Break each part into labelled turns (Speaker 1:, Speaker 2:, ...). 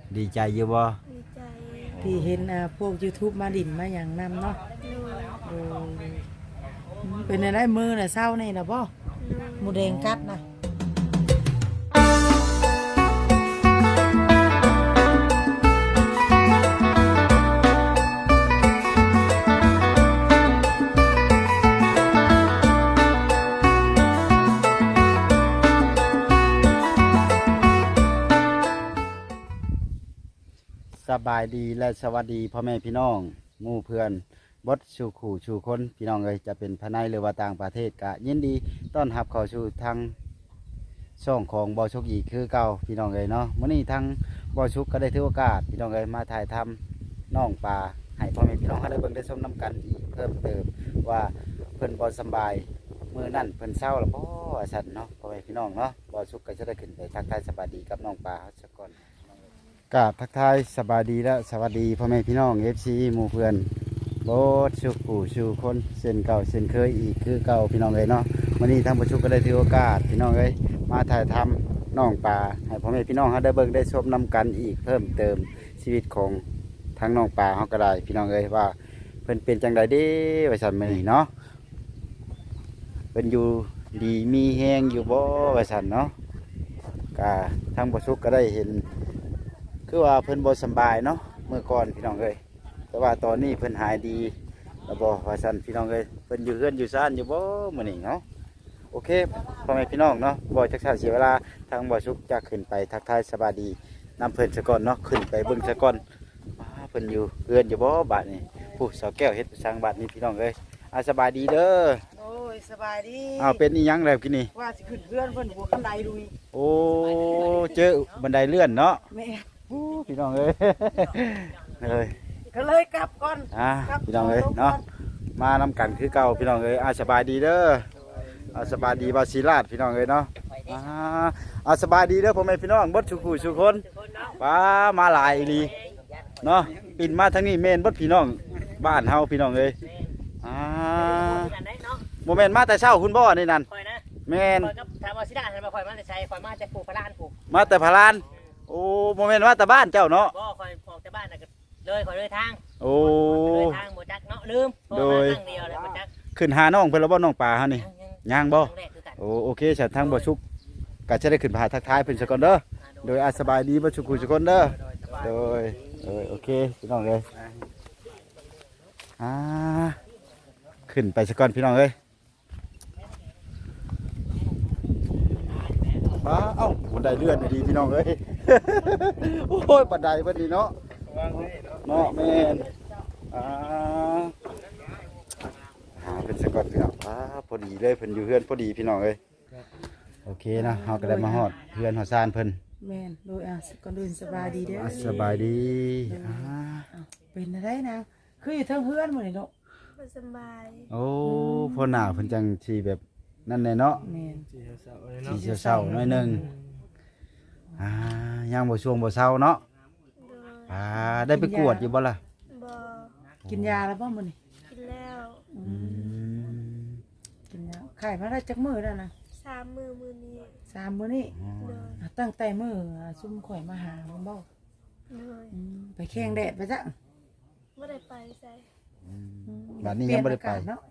Speaker 1: ดีใจอยู่บ่
Speaker 2: ดีใจ
Speaker 3: ที่เห็นพวก YouTube มาดิ่นมาอย่างนำเนาะ
Speaker 2: โดย
Speaker 3: โดยเป็นอะไรมือน่ะเศร้านี่ล่ะบ่หมูแดงกัดนะ
Speaker 1: สบายดีและสวัสดีพ่อแม่พี่น้องหมู่เพื่อนบดสู่ขู่สู่คนพี่น้องเลยจะเป็นภายในหรือว่าต่างประเทศก็ยินดีต้อนรับเข้าสู่ทางช่องของบอชุกอีกคือเก่าพี่น้องเลยเนาะมื้อนี้ทางบอชุกก็ได้ถือโอกาสพี่น้องเลยมาถ่ายทำน้องปลาให้พ่อแม่พี่น้องเขาได้เบิ่งได้ชมน้ำกันอีกเพิ่มเติมว่าเพิ่นบ่สบายมื้อนั้นเพิ่นเศร้าแล้วบ่สั่นเนาะพ่อแม่พี่น้องเนาะบอชุกก็จะได้ขึ้นไปทักทายสบายดีกับน้องปลาสักก่อน กราบทักทายสบายดีและสวัสดีพ่อแม่พี่น้อง FC หมู่เพื่อนโบสชูกูชูคนเส้นเก่าเส้นเคยอีกคือเก่าพี่น้องเลยเนาะวันนี้ทางประชุมก็ได้ถือโอกาสพี่น้องเลยมาถ่ายทำน้องปลาให้พ่อแม่พี่น้องเขาได้เบิ่งได้ชมน้ำกันอีกเพิ่มเติมชีวิตของทางน้องปลาเขาก็ได้พี่น้องเลยว่าเพิ่นเป็นจังใดเด้ไว้สั่นมื้อนี้เนาะเพิ่นอยู่ดีมีแฮงอยู่บ่ไว้สั่นเนาะก็ทางประชุมก็ได้เห็น คือว่าเพิ่นบ่สบายเนาะเมื่อก่อนพี่น้องเอ้ยแต่ว่าตอนนี้เพิ่นหายดีแล้วบ่ว่าซั่นพี่น้องเอ้ยเพิ่นอยู่เฮือนอยู่ซ่านอยู่บ่มื้อนี้เนาะโอเคพ่อแม่พี่น้องเนาะบ่จักษาเสียเวลาทางบ่สุขจะขึ้นไปทักทายสบายดีนำเพิ่นซะก่อนเนาะขึ้นไปเบิ่งซะก่อนเพิ่นอยู่เฮือนอยู่บ่บัดนี้ผู้สาวแก้วเฮ็ดสร้างบัดนี้พี่น้องเอ้ยสบายดีเด้อ
Speaker 3: โอ้ยสบายดี
Speaker 1: เป็นอีหยังแล้วกินนี่
Speaker 3: ว่าสิขึ้นเพื่อนเพิ่นหัวกันไดลุย
Speaker 1: โอ้เจอบันไดเลื่อนเนาะ
Speaker 3: แม่
Speaker 1: พี่น้องเอ้ยเลย
Speaker 3: ก็เลยกลับก่อน
Speaker 1: พี่น้องเอ้ยเนาะมานำกันคือเก่าพี่น้องเอ้ยสบายดีเด้อสบายดีบาศิลาดพี่น้องเอ้ยเนาะสบายดีเด้อพ่อแม่พี่น้องบดชุกุชุคนป้ามาหลายดีเนาะปิ่นมาทั้งนี้เมนบดพี่น้องบ้านเฮาพี่น้องเอ้ยโมเมนต์มาแต่เช้าคุณบ่นี่นั่นแมน
Speaker 4: ทำบาศิลาดทำมาคอยมาแต่ใช้คอยมาแต่ปลูกพลานปลูก
Speaker 1: มาแต่พลานโอ้โมเมนต์ว่าแต่บ้านเจ้าเนาะ
Speaker 4: บ่คอยออกจากบ้านน่ะเลยคอยเลยทาง
Speaker 1: โอ้
Speaker 4: เลยทางบ่จักเนาะลืมโดยทางเดียวเลยบ่จัก
Speaker 1: ขึ้นหาน้องเพิ่นแล้วบ่น้องป่าเฮานี่ย่างบ่โอเคฉันทางบ่ชุกก็จะได้ขึ้นพาทักทายเพิ่นซะก่อนเด้อโดยสบายดีบ่ชุกทุกคนเด้อโดยโอเคพี่น้องเอ้ยขึ้นไปซะก่อนพี่น้องเอ้ยเอ้าบันไดเลื่อนดีพี่น้องเอ้ยโอ้ยบันไดบันดีเนาะเนาะแม่นเป็นสกอตพี่น้องพอดีเลยเพิ่นอยู่เพื่อนพอดีพี่น้องเอ้ยโอเคนะเฮาก็ได้มาฮอดเพื่อนฮอดซานเพิ่น
Speaker 3: แม่นโดยก่อนอื่นสบายดีเด้อ
Speaker 1: สบายดี
Speaker 3: เป็นอะไรนะคืออยู่ทั้งเพื่อนหมดเลยเนาะ
Speaker 2: บ่สบาย
Speaker 1: โอ้พอหน้าเพิ่นจังสิแบบนั่นแน่เนาะที่เศร้าๆหน่อยนึงยังบ่ช่วงบ่เศร้าเนาะได้ไปกวดอยู่บ่ล่ะ
Speaker 2: บ่
Speaker 3: กินยาแล้วบ่มื้อนี้
Speaker 2: กินแล้ว
Speaker 3: กินยาไข้มาได้จักมื้อแล้วนะ
Speaker 2: 3 มื้อมื้อนี้
Speaker 3: 3มื้อนี้ตั้งแต่มื้อซุ่มข่อยมาหาบ่ไปแข่งแดดไปจ้ะ
Speaker 2: บ่ได้ไปใส่
Speaker 1: บัดนี้ยังบ่ได้ไป
Speaker 3: เนาะ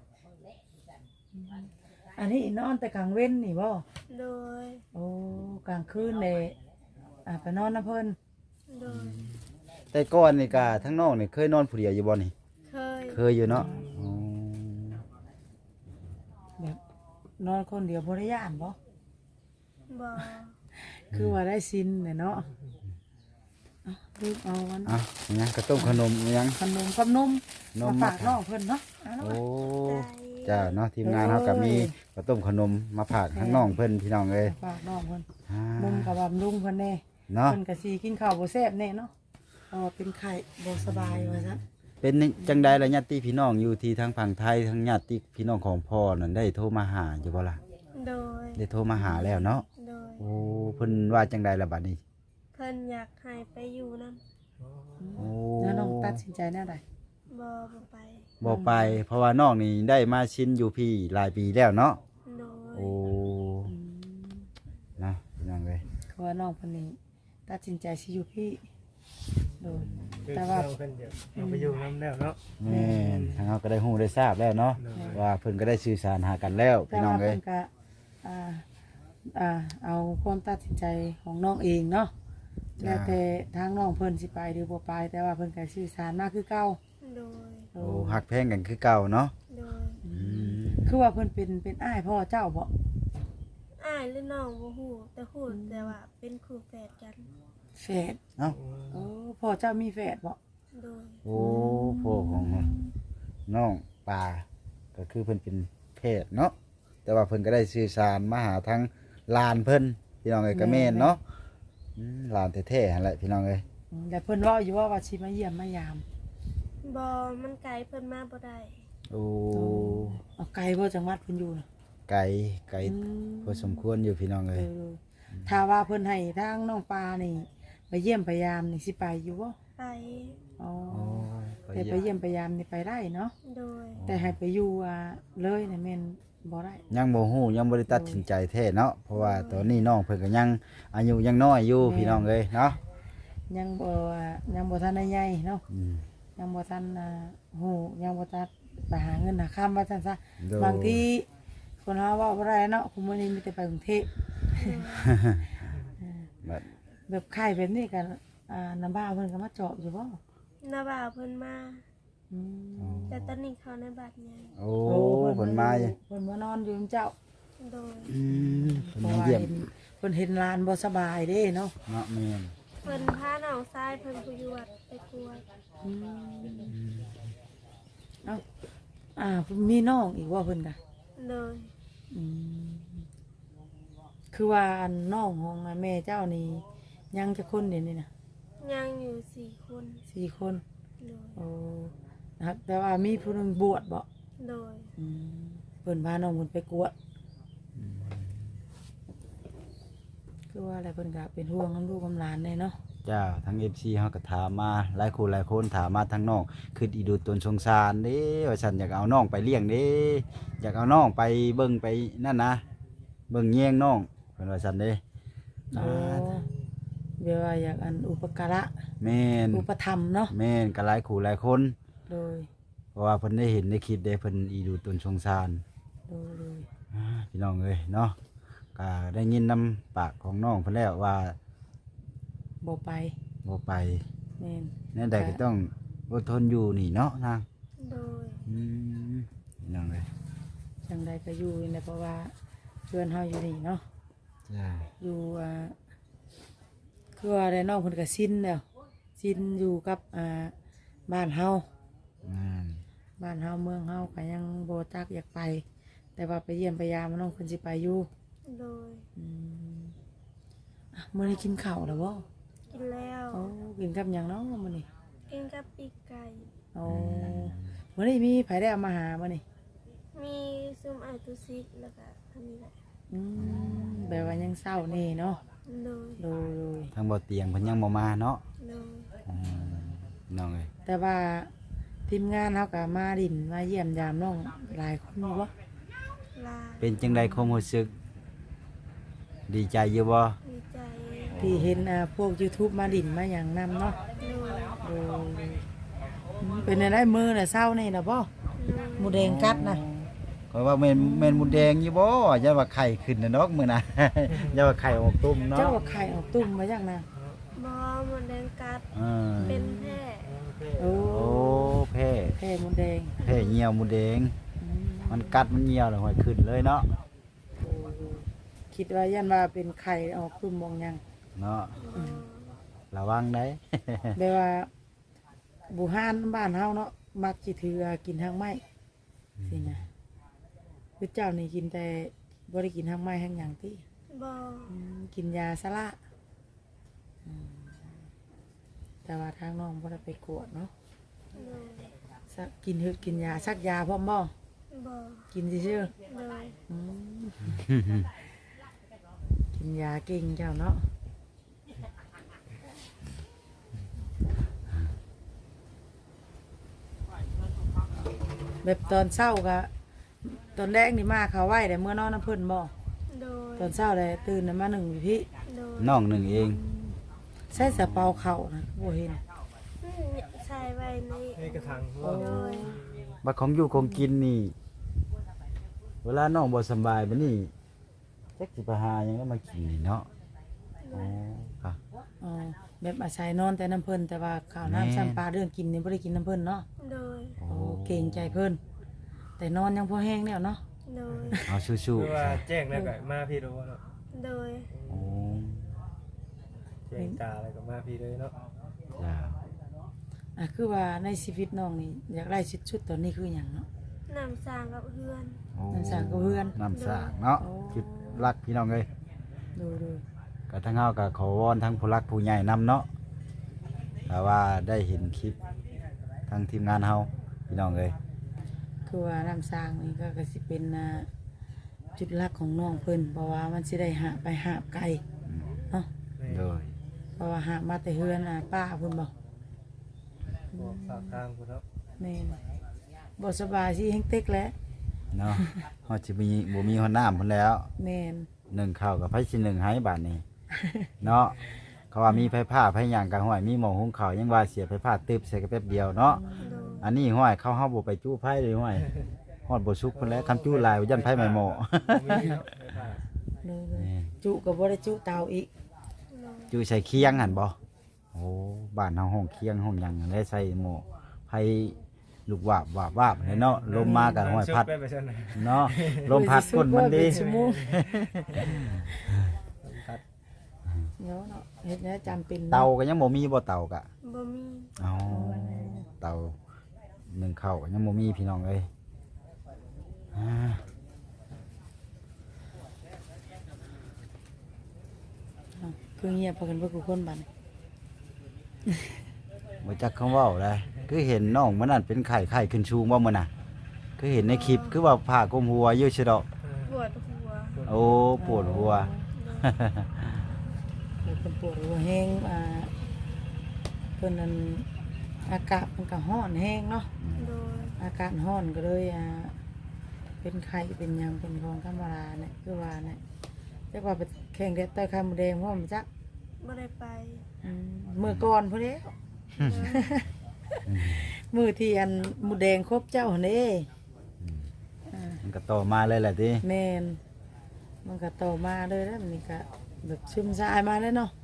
Speaker 3: อันนี้นอนแต่กลางเว้นนี่บ่
Speaker 2: โดย
Speaker 3: โอ้กลางคืนเลยไปนอนน้ำเพิ่น
Speaker 2: โดย
Speaker 1: แต่ก่อนนี่ก็ทั้งน้องนี่เคยนอนผู้เดียวอยู่บ่นี่เคยอยู่เนาะ
Speaker 3: แบบนอนคนเดียวบ่ได้ย่านบ่
Speaker 2: บ่
Speaker 3: คือว่าได้ซินเนี่ยเนาะรีบเอาวัน
Speaker 1: ยังกระต้มขนมยัง
Speaker 3: ขนมมาฝากน้องเพิ่นเนาะ
Speaker 1: โอ้จ้าเนาะทีมงานเขาก็มีกระต้มขนมมาฝากทั้งน้องเพิ่นพี่น้องเลย
Speaker 3: ฝากน้องเพิ่นมุมกับบำรุงเพิ่นแน่เนาะเพิ่นก็สิกินข้าวบ่แซ่บแน่เนาะเป็นไข้บ่สบายว่าซั่น
Speaker 1: เป็นจังใดล่ะญาติพี่น้องอยู่ที่ทางฝั่งไทยทั้งญาติพี่น้องของพ่อนั่นได้โทรมาหาอยู่บ่ล่ะ
Speaker 2: โดย
Speaker 1: ได้โทรมาหาแล้วเนาะโอ้เพิ่นว่าจังใดล่ะบัดนี้
Speaker 2: เพิ่นอยากให้ไปอยู่นำ
Speaker 1: โอ้
Speaker 3: แล้วน้องตัดสินใจแนวใด
Speaker 2: บ่
Speaker 1: ไปเพราะว่าน้องนี่ได้มาชินอยู่พี่หลายปีแล้วเนาะโอ้นะยังเลย
Speaker 3: คือว่าน้องคนนี้ตัดสินใจสิอยู่พี่โดย
Speaker 5: คือ
Speaker 3: แต่ว่า
Speaker 5: เราเพิ่นจะเอาไปอยู่นํแล้วเนาะ
Speaker 1: แม่นทางเราก็ได้ฮู้ได้ทราบแล้วเนาะว่าเพิ่นก็ได้สื่อสารหากันแล้ว
Speaker 3: แต่
Speaker 1: พี่น้อ
Speaker 3: ว่าง
Speaker 1: เอ้
Speaker 3: เพิ่
Speaker 1: ย
Speaker 3: นก็เอาความตัดสินใจของน้องเองเนาะแล้วแต่ทางน้องเพิ่นสิไปหรือบ่ไปแต่ว่าเพิ่นก็สื่อสารมาคือเก่า
Speaker 2: โดย
Speaker 1: โอ้ฮักแพงกันคือเก่าเนาะ
Speaker 2: โดย
Speaker 3: คือว่าเพิ่นเป็นอ้ายพ่อเจ้าบ่
Speaker 2: อ้ายหรือน้องบ่ฮู้แต่ฮู้แต่ว่าเป็นคู่แฝดกัน
Speaker 3: แฝด
Speaker 1: เอ้า
Speaker 3: โอ้พ่อเจ้ามีแฝดบ่
Speaker 2: โดย
Speaker 1: โอ้พ่อของน้องปลาก็คือเพิ่นเป็นเพศเนาะแต่ว่าเพิ่นก็ได้สื่อสารมาหาทางหลานเพิ่นพี่น้องเอ้ยก็แม่นเนาะหลานแท้ๆหั่นแหละพี่น้องเอ้ย
Speaker 3: แต่เพิ่นเว้าอยู่ว่าสิมาเยี่ยมมายาม
Speaker 2: บ่มันไกลเพิ่นมาบ่ได้
Speaker 1: โอ้
Speaker 3: เอาไกลบ่จังหวัดเพิ่นอยู่น่ะ
Speaker 1: ไกลพอสมควรอยู่พี่น้องเอ้ย
Speaker 3: ถ้าว่าเพิ่นให้ทางน้องปลานี่ไปเยี่ยมพยายามนี่สิไปอยู่บ่
Speaker 2: ไป
Speaker 3: อ๋อ
Speaker 1: โอ้
Speaker 3: แต่ไปเยี่ยมพยายามนี่ไปได้เนาะ
Speaker 2: โดย
Speaker 3: แต่ให้ไปอยู่เลยนี่แม่นบ่ได้
Speaker 1: ยังบ่ฮู้ยังบ่ได้ตัดสินใจแท้เนาะเพราะว่าตอนนี้น้องเพิ่นก็ยังอายุยังน้อยอยู่พี่น้องเอ้ยเนาะ
Speaker 3: ยังบ่ทันได้ใหญ่เนาะ
Speaker 1: อืม
Speaker 3: ยังบ่ทันฮู้ยังบ่ทันไปหาเงินหาค่ำว่าซั่นซะ
Speaker 1: โดย
Speaker 3: บางทีคนเฮาเว้าบ่ได้เนาะคุมื้อนี้มีแต่ไปกรุงเทพ
Speaker 1: บัด
Speaker 3: แบบไข้แบบนี้ก็น้ำบ้าเพิ่นก็มาเจาะอยู่บ่
Speaker 2: น้าบ่าวเพิ่นมา
Speaker 3: อืม
Speaker 2: แต่ตอนนี้เขาในบัดใหญ่
Speaker 1: โอ้เพิ่นมา
Speaker 3: เพิ่นมานอนอยู่นำเจ้า
Speaker 2: โดย
Speaker 1: เพิ่น
Speaker 3: เพราะ
Speaker 1: มา
Speaker 3: ว่า
Speaker 1: เยี่ยม
Speaker 3: เพิ่นเห็นหลานบ่สบายเด้เนาะ
Speaker 1: เนาะแม่น
Speaker 2: เพิ่นพาน้องชายเพิ่นผู้อยู่วัดไปกวด
Speaker 3: เอ้ามีน้องอีกว่าเพิ่นกะ
Speaker 2: โดย
Speaker 3: อืมคือว่าอันน้องของแม่เจ้านี่ยังจะคนเดี๋ยวนี้นะ
Speaker 2: ยังอยู่4 คน
Speaker 3: 4 คน
Speaker 2: โดย
Speaker 3: โอ้นะครับแต่ว่ามีผู้หนึงบวชบ่
Speaker 2: โดย
Speaker 3: อืมเพิ่นพาน้องเพิ่นไปกวดคือว่าอะไรเพิ่นก็เป็นห่วงน้ำลูกน้ำหลานแน่เนาะ
Speaker 1: จ้าทั้ง FC เฮาก็ถามมาหลายคนถามมาทั้งน้องคืออีดูตนสงสารเด้ว่าฉันอยากเอาน้องไปเลี้ยงเด้อยากเอาน้องไปเบิ่งไปนั่นนะเบิ่งแย่งน้องเพิ่นว่าฉันเด้
Speaker 3: โอ้เดี๋ยวว่าอยากอันอุปการะ
Speaker 1: แม่น
Speaker 3: อุปถัมภ์เนาะ
Speaker 1: แม่นก็หลายคน
Speaker 3: โดย
Speaker 1: เพราะว่าเพิ่นได้เห็นในคลิปเด้เพิ่นอีดูตนสงสาร
Speaker 3: โดย
Speaker 1: พี่น้องเอ้ยเนาะก็ได้ยินนำปากของน้องเพิ่นแล้วว่า
Speaker 3: บ่ไป
Speaker 1: บ่ไป
Speaker 3: แม่น
Speaker 1: แน่ใดก็ต้องอดทนอยู่นี่เนาะนาง
Speaker 2: โดย
Speaker 1: พี่น้องเอ้ย
Speaker 3: จังใดก็อยู่นี่แหละเพราะว่าเพื่อนเฮาอยู่นี่เนาะ
Speaker 1: จ้า
Speaker 3: อยู่คือว่าได้น้องเพิ่นก็สิ้นแล้วสิ้นอยู่กับบ้านเฮา บ้านเฮาเมืองเฮาก็ยังบ่จักอยากไป แต่ว่าไปเยี่ยมไปยามน้องเพิ่นสิไปอยู่
Speaker 2: โดย
Speaker 3: มื้อนี้กินข้าวแล้วบ่
Speaker 2: กินแล้ว
Speaker 3: โอ้กินกับหยังเนาะมื้อนี้
Speaker 2: กินกับปีกไก่
Speaker 3: โอ้มื้อนี้มีไผได้เอามาหามื้อนี้
Speaker 2: มีซุมไอตุซิกแล้วก็อันนี้แหละ
Speaker 3: แบบว่ายังเศร้านี่เนาะ
Speaker 2: โดย
Speaker 3: โดย
Speaker 1: ทางบ่เตียงเพิ่นยังบ่มาเนาะ
Speaker 2: โดย
Speaker 1: พี่น้องเอ้ย
Speaker 3: แต่ว่าทีมงานเฮาก็มาดินมาเยี่ยมยามน้องหลายคนอยู่บ่
Speaker 2: ลา
Speaker 1: เป็นจังไดความรู้สึก ดีใจอยู่บ่
Speaker 2: ดีใจ
Speaker 3: ที่เห็นพวก YouTube มาดินมาหยังนำเนาะ
Speaker 2: โดย
Speaker 3: เป็นอะไรมือน่ะเศร้านี่นะบ่
Speaker 2: โดย
Speaker 3: หมูแดงกัดนะ
Speaker 1: ก็ว่าแม่นหมูแดงอยู่บ่อย่าว่าไข่ขึ้นน่ะเนาะมื้อน่ะ อย่าว่าไข่ออกตุ้มเนาะ
Speaker 3: เจ้าว่าไข่ออกตุ่มมาจากนะ
Speaker 2: บอหมดแดงกัด
Speaker 1: อ่า
Speaker 2: เป็นแพร่
Speaker 3: โอ้
Speaker 1: โอ้แพ้
Speaker 3: แค่หมูแดง
Speaker 1: แพ้เหี่ยวหมูแดง มันกัดมันเหี่ยวแล้วห้อยขึ้นเลยเนาะ
Speaker 3: คิดว่ายันว่าเป็นไข่ออกตุ่มมองหยัง
Speaker 1: เนาะ
Speaker 2: บอ
Speaker 1: ระวังได้
Speaker 3: แบบว่าบุหานบ้านเฮาเนาะมักสิถือกินทางไม้สินะคือเจ้านี่กินแต่บ่ได้กินทางไม้ทางหยังติ
Speaker 2: บอ
Speaker 3: กินยาสละแต่ว่าทางน้องบ่ได้ไปกวดเนาะ
Speaker 2: โดย
Speaker 3: สักกินกินยาสักยาพร้อมบ่
Speaker 2: บอ
Speaker 3: กินซื่อ
Speaker 2: โดย
Speaker 3: ๆกินยาเก่งเจ้าเนาะแบบตอนเช้าก็ตอนแรกนี่มาเขาไหวแต่เมื่อนอนน้ำเพิ่นบ่
Speaker 2: โดย
Speaker 3: ตอนเช้าเลยตื่นมาหนึ่งพี่
Speaker 2: โดย
Speaker 1: น้องหนึ่งเอง
Speaker 3: ใส่สะเปาเข่านะบ่เห็น
Speaker 2: ใส่ไว้ใน
Speaker 5: ให้กระทัง
Speaker 3: โอ้
Speaker 2: โดย
Speaker 1: บัดของอยู่ของกินนี่ เวลาน้องบ่สำบายบัดนี้จักสิไปหาหยังแล้วมากินนี่เนาะอ๋อค่ะ
Speaker 3: อ๋อแบบอาศัยนอนแต่น้ำเพิ่นแต่ว่าข้าวน้ำซ้ำปลาเรื่องกินนี่บ่ได้กินน้ำเพิ่นเนาะ
Speaker 2: โดย
Speaker 3: โอ้เก่งใจเพิ่นแต่นอนยังพอแห้งแล้วเนาะ
Speaker 2: โดย
Speaker 1: เอาสู้
Speaker 5: คือว่าแจ้งแล้วก็มาพี่รู้เนาะ
Speaker 2: โดย
Speaker 1: ๆโอ้
Speaker 5: แจ้งตาอะไรก็มาพี่เลยเนาะ
Speaker 1: จ้า
Speaker 3: คือว่าในชีวิตน้องนี่อยากได้ชุดตอนนี้คือหยังเนาะ
Speaker 2: น้ำสร้างกับเพื่อน
Speaker 1: โอ้
Speaker 3: น้ำสร้างกับเพื่อน
Speaker 1: น้ำสร้างเนาะ
Speaker 3: โอ้
Speaker 1: คิดรักพี่น้องเอ้ย
Speaker 3: ดูดู
Speaker 1: ก็ทั้งเฮาก็ขอวอนทั้งผู้รักผู้ใหญ่นํเนาะแต่ว่าได้เห็นคลิปทั้งทีมงานเฮาพี่น้องเอ้ย
Speaker 3: คือว่าน้ำสร้างนี่ก็สิเป็นจุดหลักของน้องเพิ่นเพราะว่ามันสิได้หาไปหาไกลเนาะ
Speaker 1: โดย
Speaker 3: เพราะว่าหามาแต่เฮือนป้าเพิ่นบอก
Speaker 5: บอกฝากทางคุณเนาะ
Speaker 3: แม่นบ่สบายสิแฮงเต็กแล้ว
Speaker 1: เนาะเฮาสิมีบ่มีหัวหน้าพุ่นแล้ว
Speaker 3: แม่น
Speaker 1: นึ่งข้าวกับไผสินึ่งให้บาดนี้ เนาะเขาว่ามีไผผ้าไผหยังกันห้อยมีหม้อหุงข้าวยังว่าเสียไผผ้าตึบใส่กันแป๊บเดียวเนาะ
Speaker 2: โดย
Speaker 1: อันนี้ห้อยเข้าเฮาบ่ไปจู้ไผเลยห้อยฮอดบ่สุกพุ่นแล้วคำจู้หลายยันไผไม่หม้อ
Speaker 5: มีเนาะไม่ได้
Speaker 3: เลยจุก็บ่ได้จุเตาอีก
Speaker 2: โดย
Speaker 1: จู้ใส่เคียงหั่นบ่โอ้บ้านเฮาห้องเคียงห้องหยังได้ใส่หม้อไผลูกวาบวาบวาบเลยเนาะลมมาก็ห้อยพัด
Speaker 5: ชุไปซั่นน่ะ
Speaker 1: เนาะลมพัดก้นมันดี
Speaker 3: ชั่วโมง
Speaker 5: พัด
Speaker 3: เนาะเนาะเฮ็ดแนวจำเป็น
Speaker 1: เตาก็ยังบ่มีบ่เตาก็
Speaker 2: บ่มี
Speaker 1: เอาเตานึ่งข้าวก็ยังบ่มีพี่น้องเอ้ยอ่า
Speaker 3: คือเงียบพากันเบ่ทุกคนบัดนี้
Speaker 1: บ่จักคำเว้าเลยคือเห็นน้องมันนั่นเป็นไข้ขึ้นชูงบ่มื้อน่ะคือเห็นในคลิปคือว่าผ้าคลุมหัวอยู่ซิดอก
Speaker 2: ปวดหัว
Speaker 1: โอ้ปวดหัว
Speaker 3: เพิ่นปวดหัวแห้งเพิ่นนั้นอากาศมันก็ร้อนแห้งเนาะ
Speaker 2: โดย
Speaker 3: อากาศร้อนก็เลยเป็นไข้เป็นหยังเป็นของธรรมดาเนี่ยคือว่าเนี่ยจักว่าไปแข่งเด็ดต่อยไข่มดแดงเพราะมันจัก
Speaker 2: บ่ได้ไป
Speaker 3: มื้อก่อนพุ่นเด้ มื้อที่อันหมูแดงครบเจ้าหั่นเด้
Speaker 1: มันก็ต่อมาเลยแหละติ
Speaker 3: แม่นมันก็โตมาเลยแล้วมันนี่ก็แบบซึมซายมาเลยเนาะ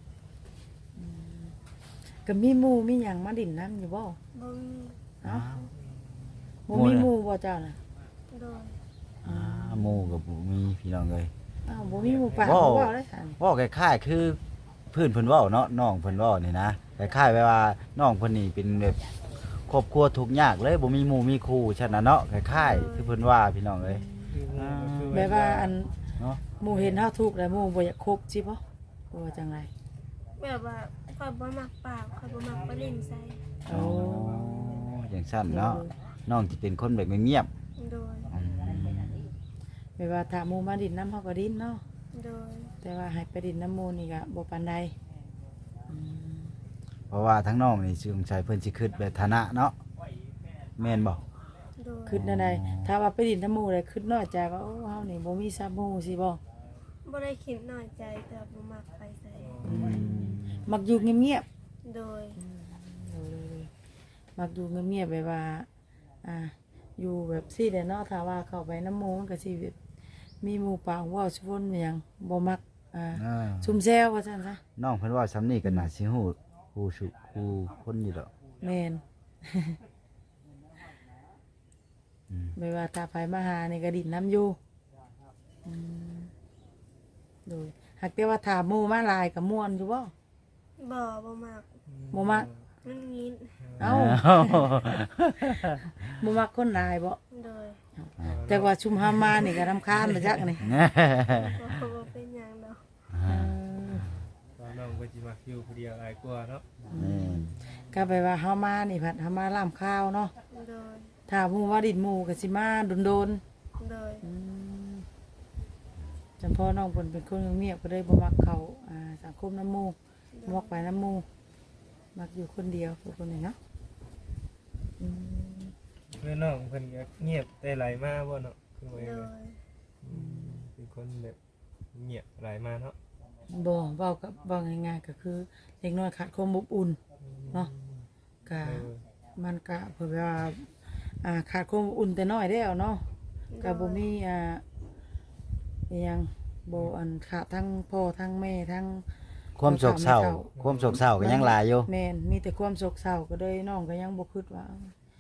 Speaker 3: ก็มีหมู่มีหยังมาดินน้ำอยู่บ่
Speaker 2: บ่มี
Speaker 3: เอ้าบ่มีหมู่บ่เจ้าน่ะ
Speaker 2: โดย
Speaker 1: หมู่ก็บ่มีพี่น้องเอ้ย
Speaker 3: อ้าวบ่มีหมู่ป่า
Speaker 1: ว้าว
Speaker 3: บ่เว้าได้ซั่น
Speaker 1: เว้าคล้ายๆคือเพิ่นเว้าเนาะน้องเพิ่นเว้านี่นะคล้ายๆว่าน้องเพิ่นนี่เป็นแบบครอบครัวทุกข์ยากเลยบ่มีหมู่มีครูฉะนั้นเนาะคล้ายๆคือเพิ่นว่าพี่น้องเอ้ย
Speaker 5: คือหมู่ก็คือ
Speaker 3: แบบว่าอัน
Speaker 1: เนาะ
Speaker 3: หมู่เห็นเฮาทุกข์แล้วหมู่บ่อยากคบสิบ่ว่าจังได
Speaker 2: แบบว่าข่อยบ่มักปากข่อยบ่มักไปเล่นใส่
Speaker 3: โอ้
Speaker 1: อย่างสั้นเนาะน้องจะเป็นคนแบบเงียบ
Speaker 2: โดย
Speaker 1: ๆอืม
Speaker 3: แบบว่าถ้าหมู่มาดินน้ำเฮาก็ดินเนาะ
Speaker 2: โดย
Speaker 3: แต่ว่าให้ไปดินน้ำหมู่นี่ก็บ่ปานใด
Speaker 1: เพราะว่าทั้งน้องนี่สงสัยเพิ่นสิคิดแบบฐานะเนาะแม่นบ่
Speaker 2: โดย
Speaker 3: คิดนั่นใดถ้าว่าไปดินน้ำหมู่เลยคิดน้อยใจว่าโอ้เฮานี่บ่มีซับหมู่สิบ่
Speaker 2: บ่ได้คิดน้อยใจแต่บ่มักไปใส่
Speaker 3: มักอยู่เงียบ
Speaker 2: โดย
Speaker 3: ๆมักอยู่เงียบๆแบบว่าอยู่แบบซี่แหละเนาะถ้าว่าเข้าไปน้ำหมู่มันก็สิแบบมีหมู่ปากเว้าชวนหยังบ่มักซุ่มแซวว่าซั่นซะ
Speaker 1: น้องเพิ่นว่าซ้ำนี่ก็น่าสิฮู้ฮู้คนอยู่ดอก
Speaker 3: แม่น ไม่ว่าถ้าไผมาหานี่ก็ดินน้ำอยู่โดยหากแต่ว่าถามหมู่มาหลายก็ม่วนอยู่บ่
Speaker 2: บ่มัก
Speaker 3: บ่มัก
Speaker 2: มันงิน
Speaker 3: เอ้าบ่มักคนหลายบ่
Speaker 2: โดย
Speaker 3: แต่ว่าชุมหามานี่ก็รำคาญมาจักนี่
Speaker 2: บ่เป็นหยังดอก
Speaker 5: ว่าน้องก็สิมักอยู่ผู้เดียวหลายกว่าเนาะ
Speaker 3: ก็ไปว่าเฮามานี่ผัดเฮามาล่ามข้าวเนาะ
Speaker 2: โดย
Speaker 3: ถ้าหมู่ว่าดินหมู่ก็สิมาโดน
Speaker 2: โดย
Speaker 3: ๆจำพ่อน้องเพิ่นเป็นคนเงียบๆก็เลยบ่มักเข้าสังคมน้ำหมู่บ่มักไปน้ำหมู่มักอยู่คนเดียวทุกคนนี่เนาะ
Speaker 5: เพื่อนน้องเพิ่นก็เงียบแต่ไหลมาบ่เนาะคือว่า
Speaker 2: โด
Speaker 5: ยังไง
Speaker 2: ย
Speaker 5: เป็นคนแบบเงียบไหลมาเนาะ
Speaker 3: บ่เว้ากับเว้าง่ายๆก็คือเด็กน้อยขาดความอบอุ่นเนาะก็มันก็เพิ่นว่าขาดความอบอุ่นแต่น้อยแล้วเนาะก็บ่มีอิหยังบ่อันขาดทั้งพ่อทั้งแม่ทั้ง
Speaker 1: ความโศกเศร้าความโศกเศร้าก็ยังหลายอยู่
Speaker 3: แม่นมีแต่ความโศกเศร้าก็เลยน้องก็ยังบ่คิดว่า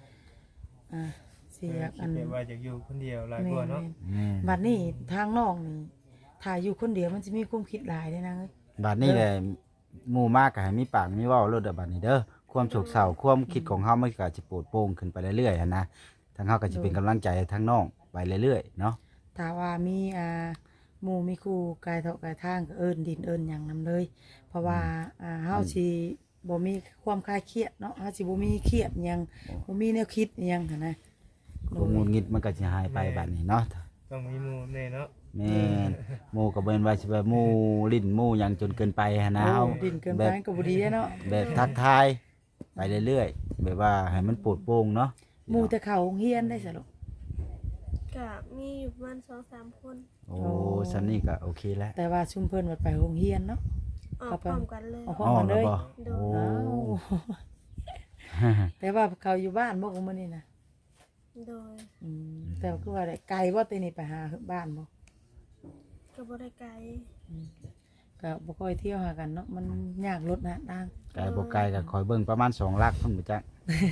Speaker 3: สิอยากอัน
Speaker 5: คิดแบบว่าอยากอยู่คนเดียวหลาย
Speaker 3: แม่
Speaker 5: กว่าเนาะ
Speaker 3: นบัดนี้ทางน้องนี่ถ้าอยู่คนเดียวมันสิมีความคิดหลายเด้นะเอ้ย
Speaker 1: บัดนี้แหละหมู่มากก็ให้มีปากมีเว้าโลดเด้อบัดนี้เด้อความโศกเศร้าความคิดของเฮามันก็จะโปรดโปร่งขึ้นไปเรื่อยๆหันนะทางเฮาก็จะเป็นกำลังใจให้ทางน้องไปเรื่อยๆเนาะ
Speaker 3: ถ้าว่ามีหมู่มีครูกายเถาะกายทางก็เอิ้นดินเอิ้นหยังนํเลย เพราะว่าเฮาสิบ่มีความคลายเครียดเนาะเฮาสิบ่มีเครียดหยังบ่มีแนวคิดหยังหันนะ
Speaker 1: ความหงุดหงิดมันก็สิหายไปบัดนี้เนาะ
Speaker 5: ต้องมีหมู่แน่เนาะ
Speaker 1: แม่นหมู่ก็บ่แม่นว่าสิแบบหมู่ลิ้นหมู่หยังจนเกินไปหันนะเฮา
Speaker 3: ดินเกินไปก็บ่ดีเนาะ
Speaker 1: แบบทักทายไปเรื่อยๆแบบว่าให้มันโปรดโปร่งเนาะ
Speaker 3: หมู่แต่เข้าโรงเรียนได้ซะลูก
Speaker 2: ก็มีอยู่ประมาณ2-3 คน
Speaker 1: โอ้ซันนี่ก็โอเคแล้ว
Speaker 3: แต่ว่าชุมเพิ่นว่าไปโรงเรียนเนาะ
Speaker 2: ออกพร้อมกันเลย
Speaker 3: เอาพร้อมกันเลย
Speaker 1: บ่
Speaker 2: โด
Speaker 1: โอ้
Speaker 2: ย
Speaker 3: อ้าวแต่ว่าเขาอยู่บ้านบ่ของมื้อนี้นะ
Speaker 2: โดย
Speaker 3: แต่ว่าคือว่าได้ไกลบ่ตีนี่ไปหาบ้านบ่
Speaker 2: ก็บ่ได้ไกล
Speaker 3: ก็บ่ค่อยเที่ยวหากันเนาะมันยากรถนะทาง
Speaker 1: ไกลบ่ไกลก็คอยเบิ่งประมาณ2ลักพุ่นบ่จัก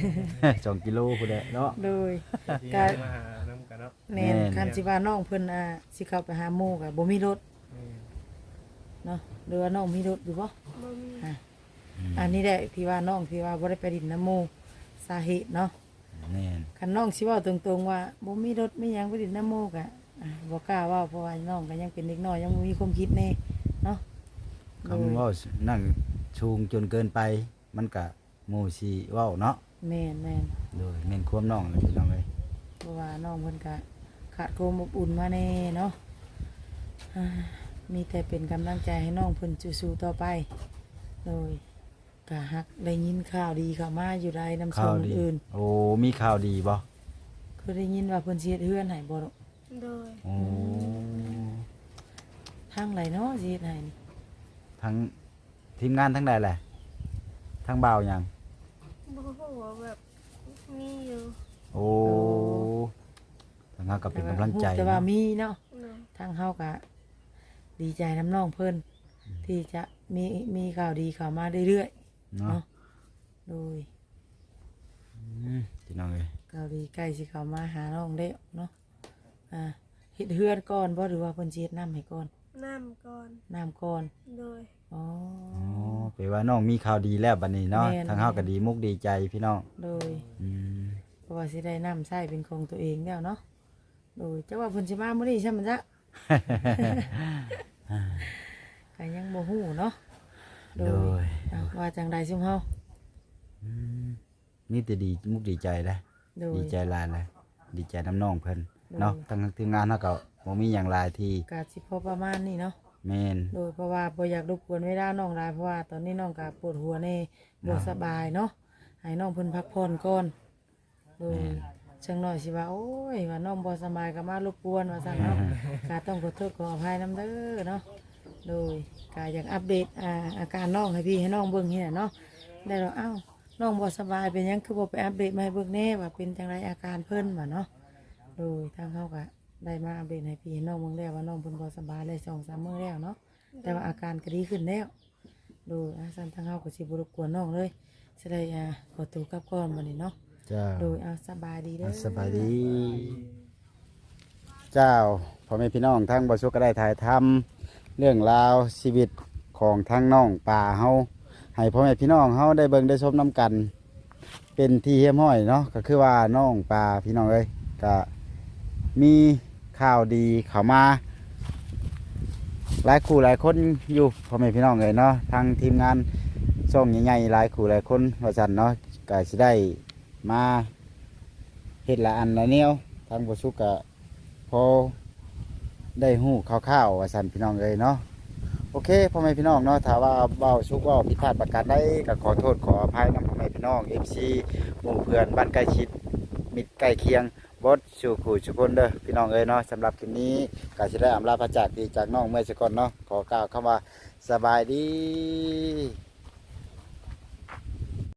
Speaker 1: 2 กิโลพุ่นแหละเนาะ
Speaker 3: โดย
Speaker 5: ที่
Speaker 3: ก็
Speaker 5: มาหาน้ำกันเนาะ
Speaker 3: แม่น
Speaker 1: แม่น
Speaker 3: คันสิว่าน้องเพิ่นสิเข้าไปหาหมู่ก็บ่มีรถเนาะหรือว่าน้องมีรถอยู่บ่
Speaker 2: บ่มี
Speaker 3: อันนี้แหละที่ว่าน้องที่ว่าบ่ได้ไปดินน้ำหมู่สาเหตุเนาะ
Speaker 1: แม่น
Speaker 3: คันน้องสิเว้าตรงๆว่าบ่มีรถมีหยังไปดินน้ำหมู่ก็บ่กล้าเว้าเพราะว่าน้องก็ยังเป็นเด็กน้อยยังบ่มีความคิดแน่เนาะ
Speaker 1: คำว่านั่งชูงจนเกินไป มันก็หมู่สิเว้าเนาะ
Speaker 3: แม่น
Speaker 1: โดยแม่นความน้องเลยพี่น้องเอ้ย
Speaker 3: เพราะว่าน้องเพิ่นก็ขาดความอบอุ่นมาแน่เนาะมีแต่เป็นกำลังใจให้น้องเพิ่นสู้ๆต่อไปโดยก็ฮักได้ยินข่าวดีเข้ามาอยู่ได้นำส่
Speaker 1: ข่าว
Speaker 3: ง
Speaker 1: ดี
Speaker 3: อื่น
Speaker 1: โอ้มีข่าวดีบ่
Speaker 3: คือได้ยินว่าเพิ่นสิเฮ็ดเฮือนให้บ่ลูก
Speaker 2: โดย
Speaker 1: โอ้
Speaker 3: ทางไหนเนาะสิเฮ็ดให้นี่
Speaker 1: ทั้งทีมงานทั้งใดแหละทั้งบ่าวหยัง
Speaker 2: บ่ฮู้ว่าแบบมีอยู่
Speaker 1: โอ้ทางเฮาก็เป็นกำลังใจ
Speaker 3: แต่ว่า
Speaker 1: เนาะ
Speaker 3: มีเนาะ
Speaker 2: โดย
Speaker 3: ทางเฮาก็ดีใจน้ำน้องเพิ่นที่จะมีข่าวดีเข้ามาเรื่อยๆ
Speaker 1: เนาะ
Speaker 3: เนาะโดย
Speaker 1: พี่น้องเอ้ย
Speaker 3: ข่าวดีใกล้สิเข้ามาหาน้องแล้วเนาะเฮ็ดเฮือนก่อนบ่หรือว่าเพิ่นสิเฮ็ดน้ำให้ก่อน
Speaker 2: น้ำก่อน
Speaker 3: น้ำก่อน
Speaker 2: โดย
Speaker 3: อ๋อ
Speaker 1: อ๋อแปลว่าน้องมีข่าวดีแล้วบัดนี้เนาะ
Speaker 3: แม่น
Speaker 1: ทางเฮาก็ดีมุกดีใจพี่น้อง
Speaker 3: โดย
Speaker 1: อืม
Speaker 3: เพราะว่าสิได้น้ำใช้เป็นของตัวเองแล้วเนาะโดยจักว่าเพิ่นสิมามื้อนี้ใช่มั้ยจ๊ะ ก็ยังบ่ฮู้เนาะโด
Speaker 1: โด
Speaker 3: ย
Speaker 1: ย
Speaker 3: ว่าจังใดซุมเฮา
Speaker 1: นี่แต่ดีมุกดีใจเลย
Speaker 3: โดย
Speaker 1: ดีใจหลายเลยดีใจน้ำน้องเพิ่น
Speaker 3: โดย
Speaker 1: เนาะทั้งทีมงานเฮาก็บ่มีหยังหลายที่
Speaker 3: ก็สิพอประมาณนี้เนาะ
Speaker 1: แม่น
Speaker 3: โดยเพราะว่าบ่อยากรบกวนเวลาน้องหลายเพราะว่าตอนนี้น้องก็ปวดหัวแน่บ่สบายเนาะให้น้องเพิ่นพักผ่อนก่อนโดยจังน้อยสิว่าโอ้ยว่าน้องบ่สบายก็มารบกวนว่าซั่นเนาะ ก็ต้องขอโทษขออภัยนำเด้อเนาะโดยก็อยากอัปเดตอาการน้องให้พี่ให้น้องเบิ่งเฮ็ดเนาะได้แล้วอ้าวน้องบ่สบายเป็นหยังคือบ่ไปอัปเดตมาให้เบิ่งแน่ว่าเป็นจังไดอาการเพิ่นว่าเนาะโดยทางเฮาก็ได้มาอัปเดตให้พี่ให้น้องเบิ่งแล้วว่าน้องเพิ่นบ่สบายได้2-3 มื้อแล้วเนาะ แต่ว่าอาการก็ดีขึ้นแล้วโดยสันทางเฮาก็สิบ่รบกวนน้องเลยสิได้ขอตัวกลับก่อนบัดนี้เนาะ
Speaker 1: จ้า
Speaker 3: โดยสบายดีเด้อ
Speaker 1: สบายดี เจ้าพ่อแม่พี่น้องทั้งบ่สุกก็ได้ถ่ายทำเรื่องราวชีวิตของทั้งน้องป่าเฮาให้พ่อแม่พี่น้องเฮาได้เบิ่งได้ชมนํกัน เป็นที่เฮี้ยมห้อยเนาะก็คือว่าน้องป่าพี่น้องเอ้ยก็มีข่าวดีเข้ามาหลายคู่หลายคนอยู่พ่อแม่พี่น้องเอ้ยเนาะทางทีมงานช่องใหญ่ๆหลายคู่หลายคนว่าซั่นเนาะก็สิได้มาเฮ็ดละอันละแนวทางบ่สุกก็พอได้ฮู้คร่าวๆว่าซั่นพี่น้องเอ้ยเนาะโอเคพ่อแม่พี่น้องเนาะถ้าว่าเว้าสุกเว้าผิดพลาดประการใดก็ขอโทษขออภัยนำพ่อแม่พี่น้อง FC หมู่เพื่อนบ้านใกล้ชิดมิตรใกล้เคียงบดสู่ขู่ทุกคนเด้อพี่น้องเอ้ยเนาะสำหรับคลิปนี้ก็สิได้อำลาพระจากดีจากน้องเมื่อสักก่อนเนาะขอกล่าวคำว่าสบายดี